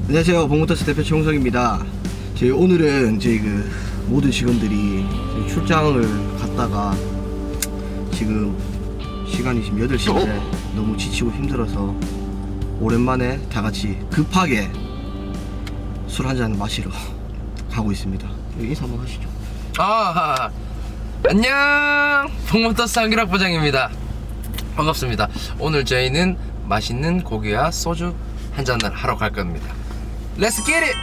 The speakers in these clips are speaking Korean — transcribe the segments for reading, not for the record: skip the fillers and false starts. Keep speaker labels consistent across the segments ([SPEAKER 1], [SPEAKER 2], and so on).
[SPEAKER 1] 안녕하세요. 봉모터스 대표 최홍석입니다. 저희 오늘은 저희 모든 직원들이 저희 출장을 갔다가 지금 시간이 지금 8시인데 너무 지치고 힘들어서 오랜만에 다 같이 급하게 술 한잔 마시러 가고 있습니다. 인사 한번 하시죠.
[SPEAKER 2] 안녕, 봉모터스 한규락 부장입니다. 반갑습니다. 오늘 저희는 맛있는 고기와 소주 한잔을 하러 갈 겁니다. Let's get it!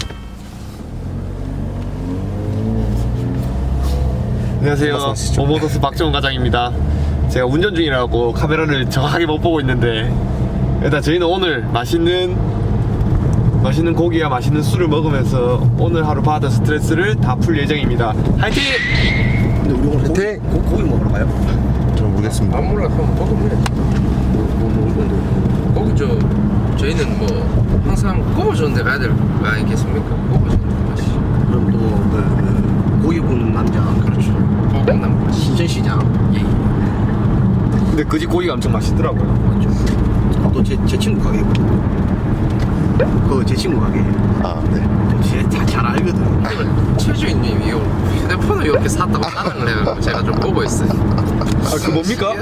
[SPEAKER 3] 안녕하세요. 봉모터스 박정훈 과장입니다. 제가 운전 중이라고 카메라를 정확하게 못 보고 있는데, 일단 저희는 오늘 맛있는 고기와 맛있는 술을 먹으면서 오늘 하루 받은 스트레스를 다 풀 예정입니다. 화이팅!
[SPEAKER 1] 근데 우리 오늘 고기 먹으러 가요?
[SPEAKER 4] 저는 모르겠습니다.
[SPEAKER 2] 안 몰라, 그럼 먹으면
[SPEAKER 1] 먹을 건데.
[SPEAKER 2] 거기 저희는 뭐 항상 꼽아주는 데 가야 될 거 아니겠습니까? 꼽아주는 데 가시죠.
[SPEAKER 1] 그럼 또 고기 구는 남자.
[SPEAKER 2] 그렇죠. 고급남
[SPEAKER 1] 신천시장.
[SPEAKER 3] 근데 그 집 고기가 엄청 맛있더라고요.
[SPEAKER 1] 맞죠? 또 제 친구 가게거든. 제 친구 가게.
[SPEAKER 4] 아, 네.
[SPEAKER 1] 잘 알거든.
[SPEAKER 2] 최주인님이 이 휴대폰을 이렇게 샀다고 자랑을 해요. 제가 좀 보고 있어요.
[SPEAKER 3] 그 뭡니까?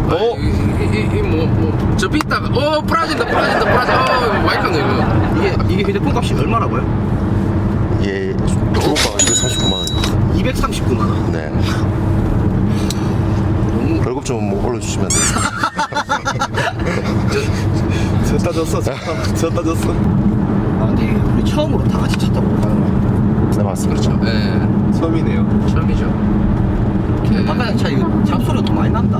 [SPEAKER 2] 저 빗다가 부러진다. 마이크는
[SPEAKER 1] 이게 휴대폰 값이 얼마라고요?
[SPEAKER 4] 예, 중고가가 239만 원.
[SPEAKER 1] 239만 원.
[SPEAKER 4] 네. 월급 좀 올려주시면 돼요.
[SPEAKER 3] 졌다 졌어.
[SPEAKER 1] 아, 근데 우리 처음으로 다 같이 차 타고 가는 거야.
[SPEAKER 4] 네, 맞습니다.
[SPEAKER 2] 그렇죠. 예,
[SPEAKER 3] 처음이네요.
[SPEAKER 2] 처음이죠.
[SPEAKER 1] 바깥에 차 이거 잡소리가 더 많이 난다.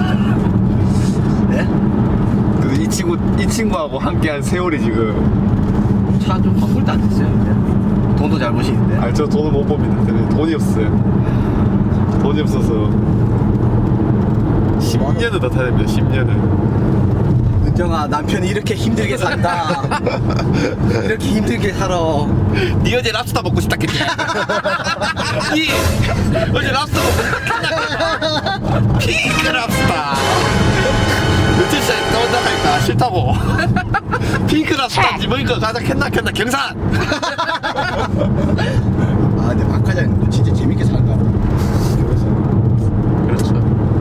[SPEAKER 1] 네?
[SPEAKER 3] 이 친구하고 함께한 세월이 지금.
[SPEAKER 1] 차 좀 바꿀 때 안 됐어요. 근데. 돈도 잘 버시는데.
[SPEAKER 3] 아, 저 돈을 못 봅니다. 돈이 없어요. 돈이 없어서 10년을 더 타야 됩니다. 10년을.
[SPEAKER 1] 은정아, 남편이 이렇게 힘들게 산다. 이렇게 힘들게 살아.
[SPEAKER 3] 니 어제 랍스터 먹고 싶다 했지? 니 어제 랍스터 먹고 싶다 했냐? 핑크 랍스터. 며칠 전에 떠온다 하니까 싫다고. 핑크 랍스터 집으니까 가자 캔나 경산.
[SPEAKER 1] 아, 근데 박 과장님 너 진짜 재밌게 산다.
[SPEAKER 2] 그렇죠.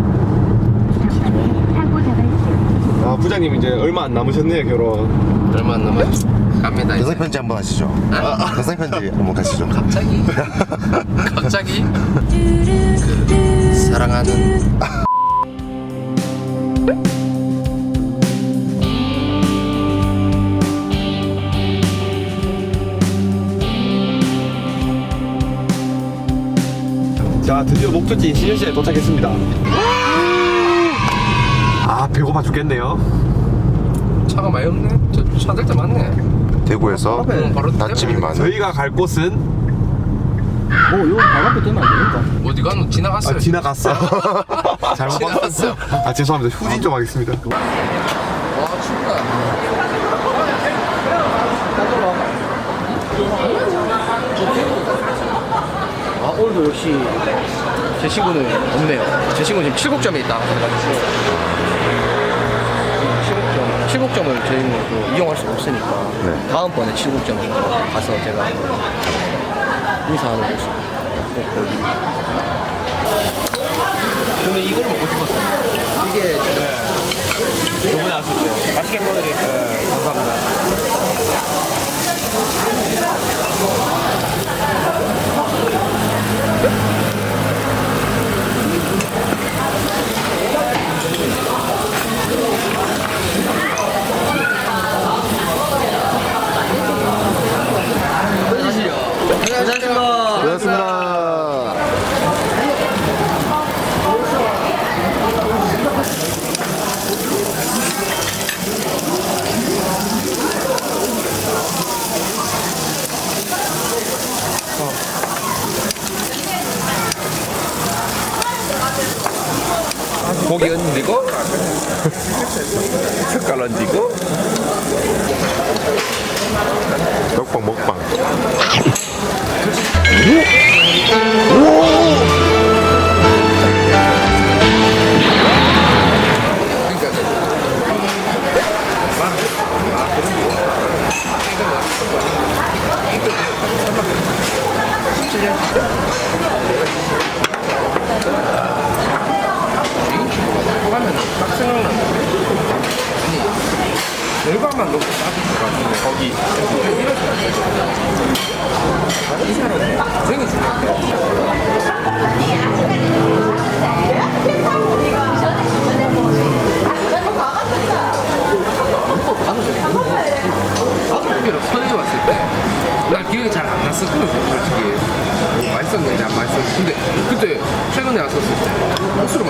[SPEAKER 3] 아, 부장님 이제 얼마 안 남으셨네요, 결혼.
[SPEAKER 2] 얼마 안 남았죠? 갑니다. 이제.
[SPEAKER 4] 영상 편지 한번 하시죠. 영상 편지 한번 가시죠.
[SPEAKER 2] 갑자기 사랑하는
[SPEAKER 3] 자, 드디어 목적지인 신현시에 도착했습니다. 아, 배고파 죽겠네요.
[SPEAKER 2] 차가 많이 없네. 저 차들 때 많네.
[SPEAKER 4] 대구에서
[SPEAKER 2] 바로
[SPEAKER 4] 맛집이
[SPEAKER 2] 때문에.
[SPEAKER 4] 많은.
[SPEAKER 3] 저희가 갈 곳은
[SPEAKER 1] 여기 발 앞에 뜨면 안 되니까.
[SPEAKER 2] 어디 가노? 지나갔어요.
[SPEAKER 3] 지나갔어. 잘못
[SPEAKER 2] 지나갔어요.
[SPEAKER 3] 봤어요. 아, 죄송합니다. 후진 좀 하겠습니다.
[SPEAKER 2] 와 춥다.
[SPEAKER 1] 아, 오늘도 역시 제 친구는 없네요. 제 친구는 지금 7곡점에 있다. 7곡점을 저희는 또 이용할 수 없으니까
[SPEAKER 4] 네.
[SPEAKER 1] 다음번에 7곡점을 가서 제가 인사하는 모습 꼭 보여드릴게요. 저는 이걸 먹고 싶었어요. 이게 저번에 왔을 때 맛있게 먹어드릴게요. 감사합니다.
[SPEAKER 4] 고맙습니다.
[SPEAKER 2] 고기 얹고 숟갈 얹고
[SPEAKER 4] 먹방.
[SPEAKER 2] 가면 딱 생각나는데 아니 결과만 너무 따뜻해가지고 거기 이 사람 생이 중요해. 나도 서해 왔을 때나 기억이 잘 안 났었거든 솔직히 뭐 맛있었는지 안 맛있었는지 근데 그때 최근에 왔었을 때 억수로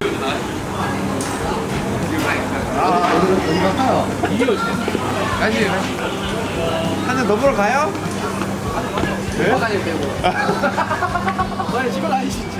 [SPEAKER 2] 가시
[SPEAKER 3] 한잔 더 보러 가요?
[SPEAKER 2] 화장실 빼고
[SPEAKER 1] 빨리 집에 가시죠.